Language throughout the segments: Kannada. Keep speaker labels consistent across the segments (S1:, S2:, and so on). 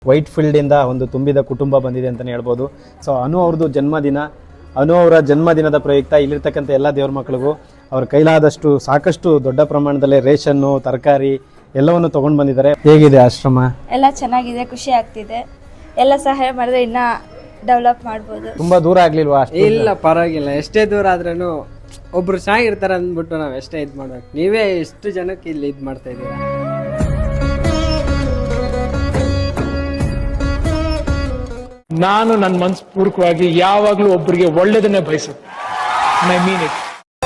S1: ವೈಟ್ ಫೀಲ್ಡ್ ಇಂದ ಒಂದು ತುಂಬಿದ ಕುಟುಂಬ ಬಂದಿದೆ ಅಂತಾನೆ ಹೇಳ್ಬೋದು. ಸೊ ಅನು ಅವ್ರದ್ದು ಜನ್ಮದಿನ, ಅನು ಅವರ ಜನ್ಮದಿನದ ಪ್ರಯುಕ್ತ ಇಲ್ಲಿರ್ತಕ್ಕಂಥ ಎಲ್ಲ ದೇವ್ರ ಮಕ್ಕಳಿಗೂ ಅವ್ರ ಕೈಲಾದಷ್ಟು ಸಾಕಷ್ಟು ದೊಡ್ಡ ಪ್ರಮಾಣದಲ್ಲಿ ರೇಷನ್ನು, ತರಕಾರಿ ಎಲ್ಲವನ್ನು ತಗೊಂಡು ಬಂದಿದ್ದಾರೆ. ಹೇಗಿದೆ ಆಶ್ರಮ?
S2: ಎಲ್ಲ ಚೆನ್ನಾಗಿದೆ, ಖುಷಿ ಆಗ್ತಿದೆ. ಎಲ್ಲ ಸಹಾಯ ಮಾಡಿದ್ರೆ ಇನ್ನ ಡೆವಲಪ್ ಮಾಡ್ಬೋದು.
S1: ತುಂಬಾ ದೂರ ಆಗ್ಲಿಲ್ವಾ?
S3: ಇಲ್ಲ, ಪರವಾಗಿಲ್ಲ. ಎಷ್ಟೇ ದೂರ ಆದ್ರೂ ಒಬ್ರು ಚೆನ್ನಾಗಿರ್ತಾರೆ ಅಂದ್ಬಿಟ್ಟು ನಾವ್ ಎಷ್ಟೇ ಇದ್ ಮಾಡ್ಬೇಕು. ನೀವೇ ಎಷ್ಟು ಜನಕ್ಕೆ ಇಲ್ಲಿ ಇದ್ ಮಾಡ್ತಾ ಇದೀರಾ.
S4: ನಾನು ನನ್ನ ಮನಸ್ಪೂರ್ವಕವಾಗಿ ಯಾವಾಗಲೂ ಒಬ್ಬರಿಗೆ ಒಳ್ಳೆಯದನ್ನೇ ಬಯಸುತ್ತೆ. I mean it.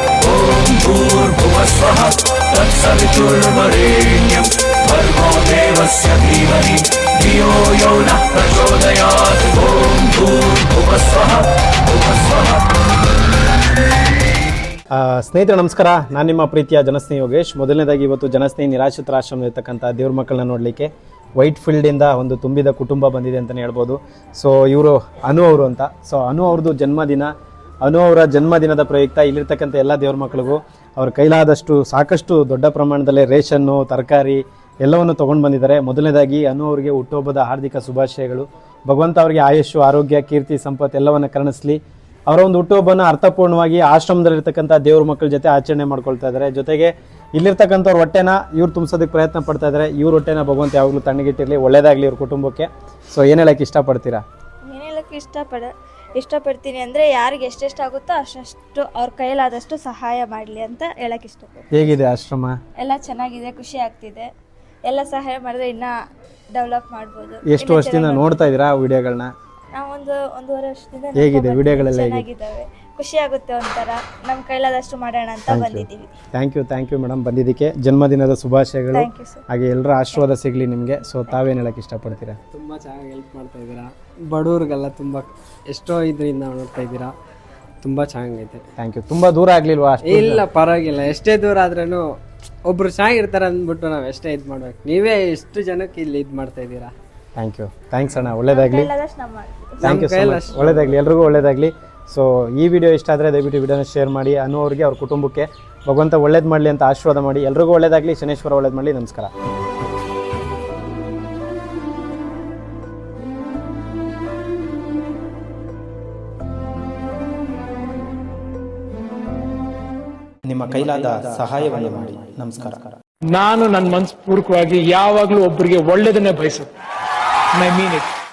S1: ಸ್ನೇಹಿತರೆ ನಮಸ್ಕಾರ, ನಾನು ನಿಮ್ಮ ಪ್ರೀತಿಯ ಜನಸ್ನೇಹಿ ಯೋಗೇಶ್. ಮೊದಲನೇದಾಗಿ ಇವತ್ತು ಜನಸ್ನೇಹಿ ನಿರಾಶ್ರಿತರ ಆಶ್ರಮದಲ್ಲಿರ್ತಕ್ಕಂಥ ದೇವ್ರ ಮಕ್ಕಳನ್ನ ನೋಡಲಿಕ್ಕೆ ವೈಟ್ ಫೀಲ್ಡಿಂದ ಒಂದು ತುಂಬಿದ ಕುಟುಂಬ ಬಂದಿದೆ ಅಂತಲೇ ಹೇಳ್ಬೋದು. ಸೊ ಇವರು ಅನು ಅವರು ಅಂತ. ಸೊ ಅನು ಅವ್ರದ್ದು ಜನ್ಮದಿನ, ಅನು ಅವರ ಜನ್ಮದಿನದ ಪ್ರಯುಕ್ತ ಇಲ್ಲಿರ್ತಕ್ಕಂಥ ಎಲ್ಲ ದೇವ್ರ ಮಕ್ಕಳಿಗೂ ಅವ್ರ ಕೈಲಾದಷ್ಟು ಸಾಕಷ್ಟು ದೊಡ್ಡ ಪ್ರಮಾಣದಲ್ಲಿ ರೇಷನ್ನು, ತರಕಾರಿ ಎಲ್ಲವನ್ನು ತೊಗೊಂಡು ಬಂದಿದ್ದಾರೆ. ಮೊದಲನೇದಾಗಿ ಅನು ಅವರಿಗೆ ಹುಟ್ಟುಹಬ್ಬದ ಹಾರ್ದಿಕ ಶುಭಾಶಯಗಳು. ಭಗವಂತ ಅವರಿಗೆ ಆಯುಷ್ಯು, ಆರೋಗ್ಯ, ಕೀರ್ತಿ, ಸಂಪತ್ತು ಎಲ್ಲವನ್ನು ಕರುಣಿಸಲಿ. ಅವರ ಒಂದು ಹುಟ್ಟುಹಬ್ಬನ ಅರ್ಥಪೂರ್ಣವಾಗಿ ಆಶ್ರಮದಲ್ಲಿರ್ತಕ್ಕಂಥ ದೇವ್ರ ಮಕ್ಕಳ ಜೊತೆ ಆಚರಣೆ ಮಾಡ್ಕೊಳ್ತಾ ಇದ್ದಾರೆ. ಜೊತೆಗೆ ಇಲ್ಲಿರ್ತಕ್ಕಂಥವ್ರ ಹೊಟ್ಟೆನ ಇವ್ರು ತುಂಬಿಸೋದಕ್ಕೆ ಪ್ರಯತ್ನ ಪಡ್ತಾ ಇದ್ದಾರೆ. ಇವ್ರ ಹೊಟ್ಟೆನ ಭಗವಂತ ಯಾವಾಗಲೂ ತಣ್ಣಗಿಟ್ಟಿರಲಿ, ಒಳ್ಳೇದಾಗಲಿ ಇವ್ರ ಕುಟುಂಬಕ್ಕೆ. ಸೊ ಏನು ಹೇಳಕ್ಕೆ ಇಷ್ಟಪಡ್ತೀರಾ?
S2: ಏನು ಹೇಳಕ್ಕೆ ಇಷ್ಟಪಡ್ತೀನಿ ಅಂದರೆ ಯಾರಿಗೆ ಎಷ್ಟೆಷ್ಟಾಗುತ್ತೋ ಅಷ್ಟು ಅವ್ರ ಕೈಲಾದಷ್ಟು ಸಹಾಯ ಮಾಡಲಿ ಅಂತ ಹೇಳಕ್ಕೆ ಇಷ್ಟಪಡ್ತೀನಿ.
S1: ಹೇಗಿದೆ ಆಶ್ರಮ?
S2: ಎಲ್ಲ ಚೆನ್ನಾಗಿದೆ, ಖುಷಿ ಆಗ್ತಿದೆ. ಎಲ್ಲ ಸಹಾಯ ಮಾಡಿದ್ರೆ ಇನ್ನ ಡೆವಲಪ್ ಮಾಡ್ಬೋದು.
S1: ಎಷ್ಟು ವರ್ಷದಿಂದ ನೋಡ್ತಾ ಇದ್ದೀರಾ ವಿಡಿಯೋಗಳನ್ನ?
S2: ನಾವು ಒಂದೂವರೆ ವರ್ಷದಿಂದ
S1: ಹೇಗಿದೆ ವಿಡಿಯೋಗಳೆಲ್ಲ?
S2: ಚೆನ್ನಾಗಿದ್ದಾವೆ, ಖುಷಿ ಆಗುತ್ತೆ. ಒಂಥರ ನಮ್ಮ ಕೈಲಾದಷ್ಟು ಮಾಡೋಣ ಅಂತ ಬಂದಿದ್ದೀವಿ.
S1: ಥ್ಯಾಂಕ್ ಯು ಮೇಡಮ್ ಬಂದಿದ್ದಕ್ಕೆ. ಜನ್ಮದಿನದ ಶುಭಾಶಯಗಳು.
S2: Thank you sir.
S1: ಹಾಗೆ ಎಲ್ಲರ ಆಶೀರ್ವಾದ ಸಿಗಲಿ ನಿಮಗೆ. ಸೊ ತಾವೇನು ಹೇಳಕ್ಕೆ ಇಷ್ಟಪಡ್ತೀರಾ?
S3: ತುಂಬಾ ಚೆನ್ನಾಗಿ ಹೆಲ್ಪ್ ಮಾಡ್ತಾ ಇದ್ದೀರಾ. ಬಡವ್ರಿಗೆಲ್ಲ ತುಂಬಾ ಎಷ್ಟೋ ಇದರಿಂದ ನೋಡ್ತಾ ಇದ್ದೀರಾ. ತುಂಬಾ ಚೆನ್ನಾಗೈತೆ.
S1: Thank you. ತುಂಬಾ ದೂರ ಆಗ್ಲಿಲ್ವಾ?
S3: ಇಲ್ಲ, ಪರವಾಗಿಲ್ಲ. ಎಷ್ಟೇ ದೂರ ಆದ್ರೂ ಒಬ್ರು ಚೆನ್ನಾಗಿರ್ತಾರೆ ಅಂದ್ಬಿಟ್ಟು ನಾವ್ ಎಷ್ಟೇ ಇದ್ ಮಾಡ್ಬೇಕು. ನೀವೇ ಎಷ್ಟು ಜನಕ್ಕೆ ಇಲ್ಲಿ ಇದ್ ಮಾಡ್ತಾ ಇದ್ದೀರಾ.
S1: ಥ್ಯಾಂಕ್ಸ್ ಅಣ್ಣ, ಒಳ್ಳೇದಾಗ್ಲಿ.
S2: ಕೈಲಾದಷ್ಟು ನಾವು ಮಾಡ್ತೀವಿ.
S1: Thank you so much. ಒಳ್ಳೇದಾಗಲಿ, ಎಲ್ರಿಗೂ ಒಳ್ಳೇದಾಗಲಿ. ಸೊ ಈ ವಿಡಿಯೋ ಇಷ್ಟ ಆದರೆ ದಯವಿಟ್ಟು ವಿಡಿಯೋನ ಶೇರ್ ಮಾಡಿ. ಅನು ಅವ್ರಿಗೆ, ಅವ್ರ ಕುಟುಂಬಕ್ಕೆ ಭಗವಂತ ಒಳ್ಳೇದು ಮಾಡಲಿ ಅಂತ ಆಶೀರ್ವಾದ ಮಾಡಿ. ಎಲ್ರಿಗೂ ಒಳ್ಳೇದಾಗಲಿ, ಶನೇಶ್ವರ ಒಳ್ಳೇದು ಮಾಡಲಿ. ನಮಸ್ಕಾರ. ನಿಮ್ಮ ಕೈಲಾದ ಸಹಾಯವನ್ನು ಮಾಡಿ. ನಮಸ್ಕಾರ.
S4: ನಾನು ನನ್ನ ಮನಸ್ಪೂರ್ವಕವಾಗಿ ಯಾವಾಗಲೂ ಒಬ್ಬರಿಗೆ ಒಳ್ಳೆಯದನ್ನೇ ಬಯಸುತ್ತೆ. I mean it.